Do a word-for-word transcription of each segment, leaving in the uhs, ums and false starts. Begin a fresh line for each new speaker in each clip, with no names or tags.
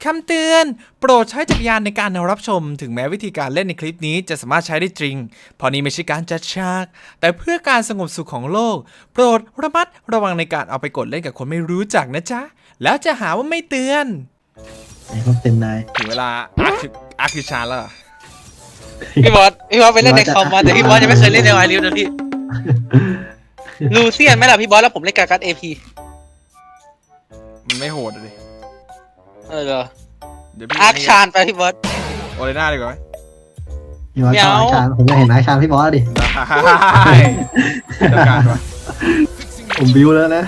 คำเตือนโปรดใช้จักรยานในการรับชมถึงแม้วิธีการเล่นในคลิปนี้จะสามารถใช้ได้จริงเพราะนี้ไม่ใช่การจัดฉากแต่เพื่อการสงบสุขของโลกโปรดระมัดระวังในการเอาไปกดเล่นกับคนไม่รู้จักนะจ๊ะแล้วจะหาว่าไม่เตือน
ไอ้พวกเต็มนาย
ถึงเวลาอาร์คอาร์คิชาแล้ว
พี่บอสพี่บอสไปเล่นในคอมมาแต่พี่บอสยังไม่เคยเล่นในไวริวนะพี่ลูเซียนไหมล่ะพี่บอสแล้วผมเล่นการ์ดเอพี
มันไม่โหดเลย
เออเหรอ
เดี๋ยวพี่
อาร์คชานไปพี่บอส
โอเลน่าดีกว่าไหม
พี่บอส
ไม่
ชอบ
เอา
อาชานผมจะเห็นอาชานพี่บอสดิ
ได้ต้องการวะ
ผมบิวแล้วนะ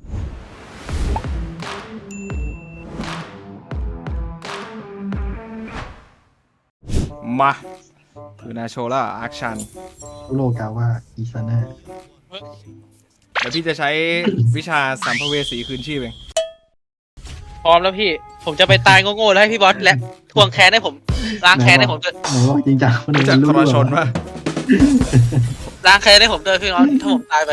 มาคือนาโชล่าอาร์คชัน
โลกาว่าอีซาน่า
เดี๋ยวพี่จะใช้วิชาสัมภเวสีคืนชีพเอง
พร้อมแล้วพี่ผมจะไปตายโง่ๆแล้วให้พี่บอสและทวงแค้นให้ผมล้างแค้นให้ผมด้วย
ไหนว่าจริงจังมัน
รู้จักทรชนปะ
ล้างแค้นให้ผมด้วยพี่น้องถ้าผมตายไป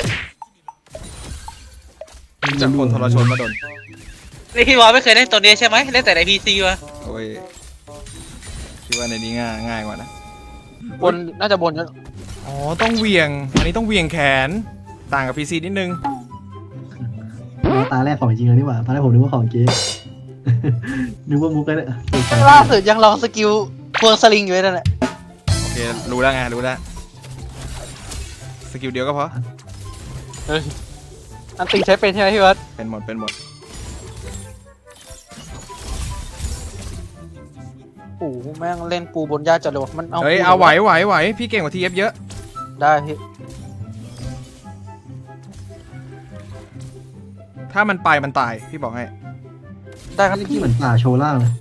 รู้จักคนทรชนมาโดน
นี่พี่บอสไม่เคยเล่นตัวนี้ใช่ไหมเล่นแต่ในพีซีวะ
โอ้ยคิดว่าในนี้ง่ายง่ายกว่านะ
บนน่าจะบนกัน
อ๋อต้องเหวี่ยงอันนี้ต้องเหวี่ยงแขนต่างกับพีซีนิดนึง
ตาแรกของจริงเลยนี่หว่าตาแรกผมนึกว่าของเก๊ นึกว่ามุกเลยเนี่ย
ล่าสุดยังลองสกิลทวงสลิงอยู่เลยนั่นแหละ
โอเครู้แล้วไงรู้แล้วสกิลเดียวก็พอ
อันตีใช้เป็นใช่ไหมพี่บอส
เป็นหมดเป็นหมด
โอ้โหแม่งเล่นปูบนหญ้าจัดเลยวะมันเอา
เฮ้ยเอาไหวไหวไหวพี่เก่งกว่าทีเอฟเยอะ
ได้พี่
ถ้ามันไปมันตายพี่บอกให้
ได้ครับ
ที่
พี่
เหมือนป่าโชว์ล่างเลย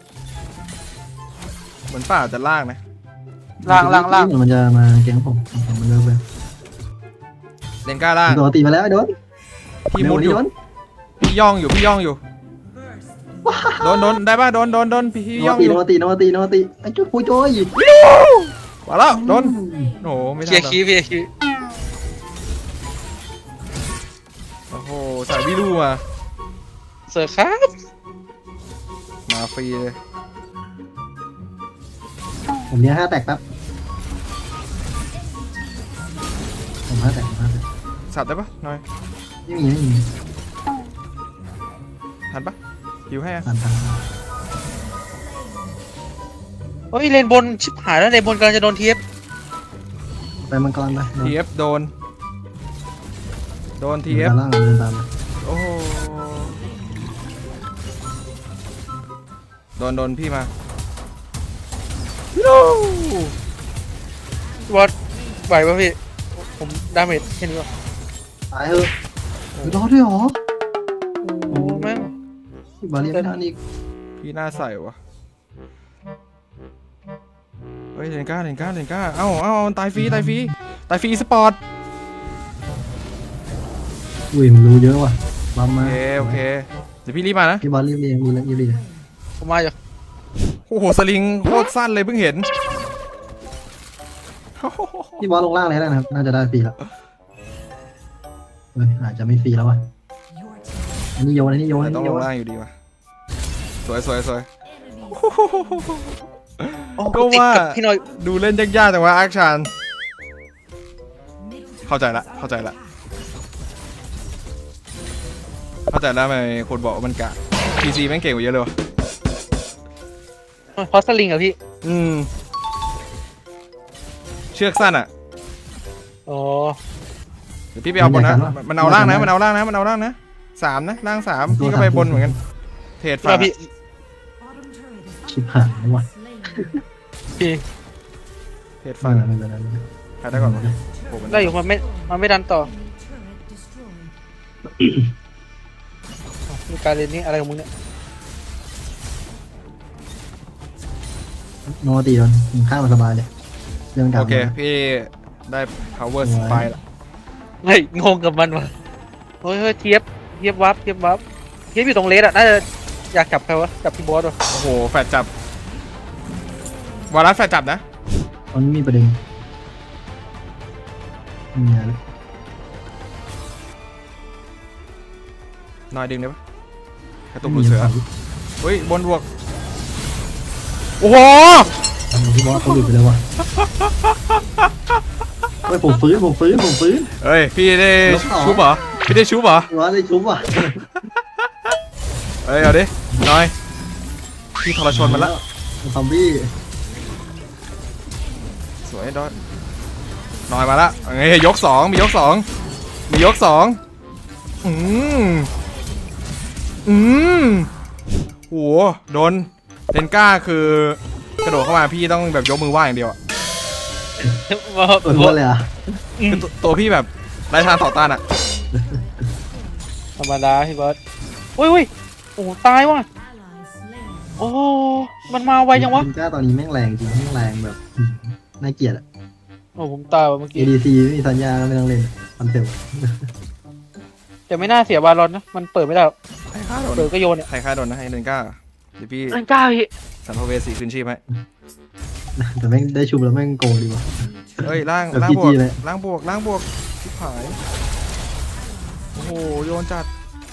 เหมือนป่าจะลากนะ
ล่างล่างล่าง
มันจะมาแกงผมผมมันเลิกไป
เลนก้าล่าง
โดนตีมาแล้วไอ้โดน
พี่มุดอยู่
โดน
พี่ย่องอยู่พี่ย่องอยู่โดนโดนได้ป่ะโดนโดนโดนพี่
โด
ย่อน ง
ตี
อ
โด
ยู่
นตีโดนตีโดนตีไอ้จุ๊บปุยโจ้ย
มาแล้วโดนโอ้โหไม่
เคลี
ทั
ย
น
ร์
หรอ
คีย์พี่เคลียร์
โอ้โหสายวิลูมา
เสิร์ฟครับ
มาฟรีเลย
ผมเนี้ยห้าแตกแป๊บผมห้าแตกผมห้าแตก
สับได้ปะหน่อย
ไม่มีไม่มี
ทันปะหิวให้อะ
ทานทาน
เฮ้ยเลนบนชิบหายแล้วเลนบนกำลังจะโดนเทียบ
ไปมังกรไป
ทีเอฟโดนโดนทีเอฟ
ตามล่างเดินตาม
โอ้โหโดนโดนพี่มาโน้
วอดไหวป่ะพี่ผมดาเมจแค่นี้วะ
ตายเถอะรอด้วยหรอ
โอ้แม่ง
บาเรียไม่ทันอีก
พี่หน้าใสวะเฮ้ยเลนก้าเลนก้าเลนก้าเอ้าเอ้าตายฟรีตายฟรีตายฟรีสปอร์ต
อุ้ยมันรู้เยอะว่ะบัม
โอ
มา
เคโอเคเดี๋ยวพี่รีบมานะ
พี่บอลรีบเรียงรีบรีบรีบ
ผมมาอยู่
โอ้โหสลิงโคตรสั้นเลยเพิ่งเห็น
พี่บอลลงล่างเลยนะครับน่าจะได้ฟรีแล้วเฮ้ยอาจจะไม่ฟรีแล้วว่ะอันนี้โยนอันนี้โยนอัน
แต่ต้อง
นี้
ล
โย
ง
น
ล่างอยู่ดีว่ะสวยสวยสวย
โอ้
ก็
ติด
ว่า
กับพี่หน้อย
ดูเล่นยากๆแต่ว่าอาร์คชานเข้าใจละเข้าใจละเข้าใจแล้วทำไมคนบอกว่ามันกะ พี ซี แม่งเก่งกว่าเยอะเลยวะ
เพราะสลิงอะพี่
อืมเชือกสั้นอ่ะ
อ๋อ
เดี๋ยวพี่ไปเอาบนนะมันเอาล่างนะมันเอาล่างนะมันเอาล่างนะสามนะล่างสามพี่ก็ไปบนเหมือนกันเทรดฝั่ง
พี่
ชิบหายแล้วว่ะ
พี่
เทรด
ฟั
ฝั่
ง
ง
ไม่เป็นไรไม่เป็นไร
ใครได้ก่อนวะโอ้โหมัน
ได้อยู่มันไม่มันไม่ดันต่อมีการเล่นนี่อะไรของมึงเนี่ย
โนตีโดนข้ามมาสบายเลยเรื่องการ
โอเคพี่ได้ power spy ละ
เฮ้ยงงกับมันวะเฮ้ยเฮ้ยเทียบเทียบวับเทียบวับเทียบอยู่ตรงเลสอะน่าจะอยากจับใครวะจับพี่บอสวะ
โอ้โหแฟดจับวารัสแฟดจับนะ
ตอนนี้มีประเด็นมีอะไร
หน่อยดึงได้ปะกระตุกหลุดเสือเฮ้ยบนบวกโอ้โห
ทำไมพี่บอสเขาหลุดไปแล้ววะเฮ้ยผมฟื้นผมฟื้นผมฟื้น
เฮ้ยพี่ได้
ลบสอง
ชุบเหรอพี่ได้ชุบเหรอ
พี่บอสได้ชุบว่ะ
เฮ้ยเอาดิน้อยพี่ทรชนมันละ
ซอมบี้
สวยดอนน้อยมาละไงยกสองมียกสองมียกสองอืมอืมโหโดนเลนก้าคือกระโดดเข้ามาพี่ต้องแบบยกมือไหว้อย่างเดียวอะ
บอส
เปิดหัวเลยอ่ะ
คือตัวตัวพี่แบบไร้ทางต่อต้านอะ
ธรรมดาพี่บอสอุ้ยอุ้ยโอ้โหตายว่ะโอ้มันมาไวจังวะ
คุณก้าตอนนี้แม่งแรงจริงแม่งแรงแบบน่าเกลียดอ่ะ
โอ้ผมตายว่ะเมื่อ
เอ
กี้
ดีซีไม่มีสัญญาไม่ต้องเล่นคอนเซ็ปต์
แต่ไม่น่าเสียบาลอนนะมันเปิดไม่ได้หรอก
ใครฆ่าโดน
เปิดก็โยนเนี่ย
ใครฆ่าโดนนะให้เลนก้าเดี๋ยวพี่
เล่นกล้าพี่
สันพเวสีคืนชีพให้
แต่แม่งได้ชุบแล้วแม่งโกงดีว่ะ
เฮ้ยล่าง
แบบ
ล่างบวก
พี จี เลย
ล่างบวกล่างบวกชิบหายโอ้โหโยนจัด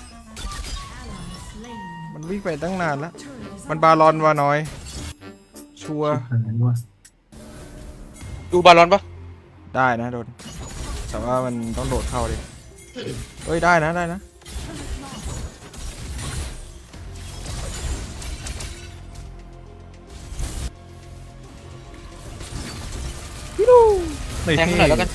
มันวิ่งไปตั้งนานแล้วมันบาลอนวาน้อย ชัวร์
อันนั้นว่ะ
ดูบาลอนปะ
ได้นะโดนแต่ว่ามันต้องโดดเข้าดิเฮ้ยได้นะได้นะฮิโร่
แทงหน่อยแล้วกัน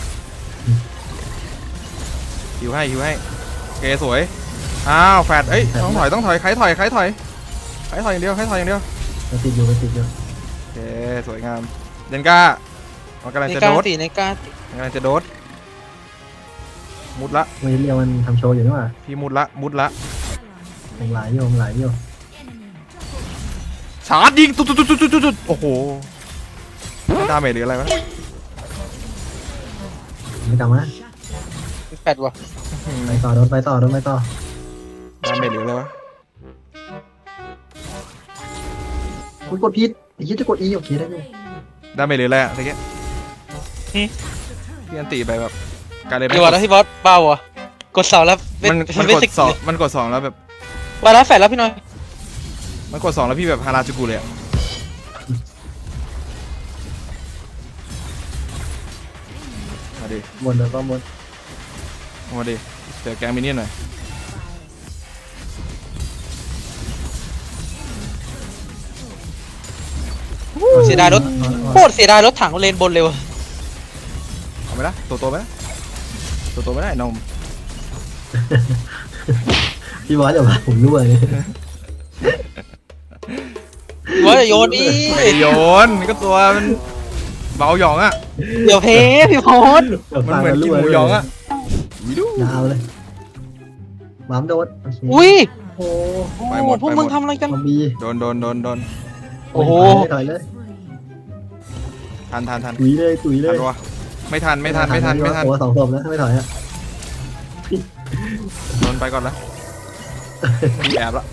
หิวให้หิวให้เกสวยอ้าวแฟดเอ้ยต้องถอยต้องถอยใครถอยใครถอยใครถอยอย่างเดียวใครถอยอย่างเดียว
ไปติดอยู่ไปติดอยู่
โอเคสวยงามเดนก้ามันกำลัง
ใน
จะ
กล้า
โดด
ตีในกล้า
มันกำลังจะโดดมุดละ
เวเรียวมันทำโชว์อยู่นี่หว่า
พี่มุดละมุดละ
ผมหลายโยมหลายโยม
ชาร์จยิงตุ๊ดตุ๊ดตุ๊ดตุ๊ดตุ๊ดโอ้โหดาเมจหรืออะไรวะ
ไม่กลับมา
แปดว่ะ
ไปต่อโดนไปต่อโดนไปต่อ
ดาเมจหรืออะไรวะ
คุณกดผิดไอ้ยี่จะกด E โอเคได้อยู่
ดาเมจหรืออะไรอะตะเกียบพี่อันตีไปแบบการเลย
เดี๋ยวก่อนนะพี่บอสเบาอ่ะกดเสาแล้ว
มัน
มั
มัน น
ไม่
กด
สิก
สองมันกดสองแล้วแบบ
บาลอนแฟดแล้วพี่น้อย
มันกดสองแล้วพี่แบบฮาราจูกุเลยอะมาดิ
บนแล้วก็บน
มาดิเจอแกงมินเนี่ยนหน่อย
เสียดายรถโคตรเสียดายรถถังเลนบนเลยว่ะ
เอาไปละตัวโตไปละตัวโตไม่ได้นม
พี่บอสอย่ามาผมด้วยเลย
พี่บอสจะโยนอี
ไม่โยนก็ตัวมันเบาหยองอะ
เดี๋ยวเพพี่บอส
มันเหมือนกินหมูหยองอะวิดู
ยาวเลยหมามโดนโอเค
อุ้ย
โอ้
ไปหมด
พวก
ไปหมด
มึงทำอะไรกัน
ซอมบี้
โดนโดนโดนโดน
โอ้โห
ถอยเลย
ทันทันทัน
ตุยเลยตุยเล
ทั
ย
นวะไม่ทันไม่ทันไม่ทันไม่ทัน
โอ้สองศพแล้วถ้าไม่ถอยอ่ะ
โดนไปก่อนละมีแอบละ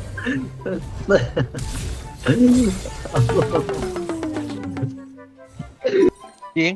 จริง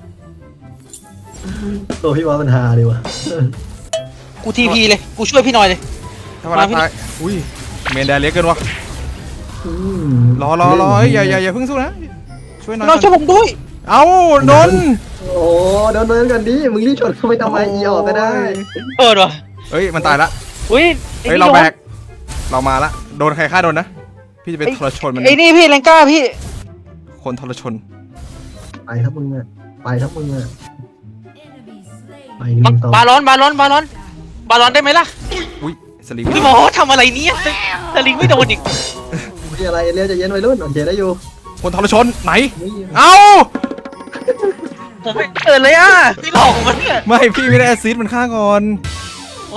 ตัวพี่บอสมันฮาดีว่ะ
กูทีพีเลยกูช่วยพี่หน่อยเลย
ถ้ามาละท้ายอุ้ยเมนแดนเล็กเกินวะ
อืม
รอรอรอเอ้ยอย่าอย่าอย่าเพิ่งสู้นะช่วยหน่อย
น้องช่วยผมด้วย
เอ้าโดน
โอ้โดนเดินกันดิมึงรีบชนเข้าไปทำไมอีออกก็ได้
เปิดว่ะ
เฮ้ยมันตายละ
อุ้ย
เฮ้ยเราแบกเรามาละโดนใครฆ่าโดนนะพี่จะไปทรชนมัน
ไอ้นี่พี่แรงกล้าพี่
คนทรชน
ไปทั้งมึงอ่ะไปทั้งมึงอ่ะไปหนึ่งต่อบ
าลอนบาลอนบาลอนบาลอนได้ไหมล่ะ
อุ้ยสลิง
พี่หมอทำอะไรเนี่ยสลิงไม่โดนอีก
มีอะไรเรียกจะเย็นไว้รุ่นโอเคได้อยู่
คนทรชนไหน
นี่
เอ้า
ผมไม่เกิดเลยอ่ะพี่หลอกผมมันเนี่ย
ไม่พี่ไม่ได้แอซซิดมันฆ่าก่อน
โอ้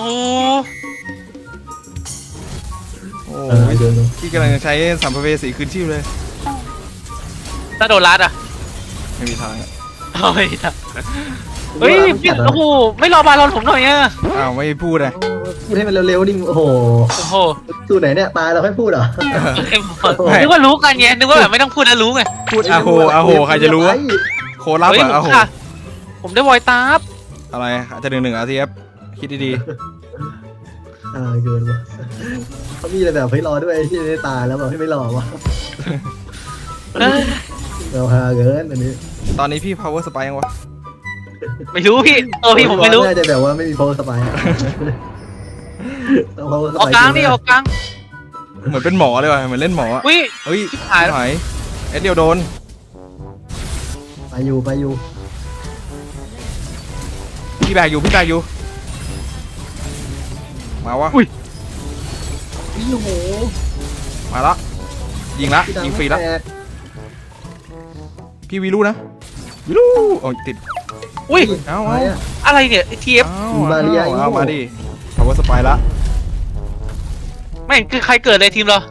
โอ้
เออย เดินลง
พี่กำลังจะใช้สัมภเวสีคืนชีพเลย
ถ้าโดนรัดอ่ะ
ไม่มีทางอะ
เฮ้ยเฮ้ยพี่โอ้โหไม่รอบาลอนผมหน่อยอ่ะ
อ้าวไม่พูดเลย
พูดให้มันเร็วๆดิโอ้โห
โอ้โห
สู้ไหนเนี่ยตายเราค่อยพูดเหรอ
นึกว่ารู้กันไงนึกว่าแบบไม่ต้องพูดแล้วรู้ไง
พูดอาโหอาโหใครจะรู้วะโคลับ
เฮ้ย
อะ
ผม
อาโห
ค่ะผมได้วอยตาบ
อะไรอาจจะหนึ่งหนึ่งอาทีเอฟคิดดี
อ่าเกินว่ะเขามีอะไรแบบให้รอด้วยที่ได้ตายแล้วแบบให้ไม่รอวะ
ๆ
เราฮาเกินอันนี้
ตอนนี้พี่ power spike ยังวะ
ไม่รู้พี่เออพี่ผมไม่รู้
น่าจะแบบว่าไม่มี power spike อะต้อง power
ออก
spike
กลางดิออกกลาง
เหมือนเป็นหมอเลยว่ะเหมือนเล่นหมออะ
วิ
เฮ้ย
ชิบหายแล้ว
หายเอ็ดเดียวโดน
ไปอยู่ไปอยู่
พี่แบกอยู่พี่แบกอยู่ มาวะ
โอ้โห
มาละยิงละ
พี่ดั
ยิงฟรีละ
ไม่แตก
พี่วีลูนะวีลูโอ้ยติด
อุ้ย
เอา
อะไร
เอา
อะ
อะไรเนี่ยทีเอฟ
เอา
บาเรีย
เอา
อีก
เอามาดิ power spike ละ
ไม่คือใครเกิดเลยทีมเรา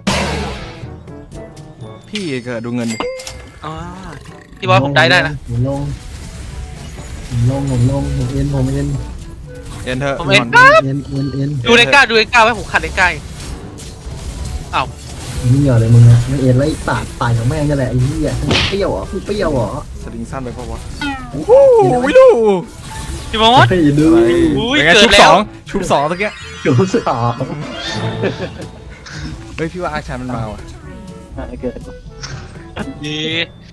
พี่เกิดดูเงินดิ
อ๋อพี่บอสผมได้ได้นะ
ผมลงผมลงผมลงผมเอ็นผมเอ็น
เอ็นเถอะ
ผมเอ็น
ก่
เอ็นเอ็นเอ็น
ดูเลนก้าดูเลนก้าไว้ผมขัดเลนก้าอ้าว
นี่เหรอเลยมึงอะไม่เอ็นไล่ตาดตายของแม่งนี่แหละไอ้เหี้ยเปรี้ยวเหรอเปรี้ยวเหรอ
สลิงสั้นไปเพราะวะโอ้โหวิลู
พี่บอส
เฮ้ยดู
อะไร
อุ้ย
เป็นไง
เกิ
ชุ
ด
บ
แล้
ส
ว
องชุบสองตะเกีย
จุดสอง
เฮ้ยพี่ว่าอาชามันมาว่ะ
เกิด
ดี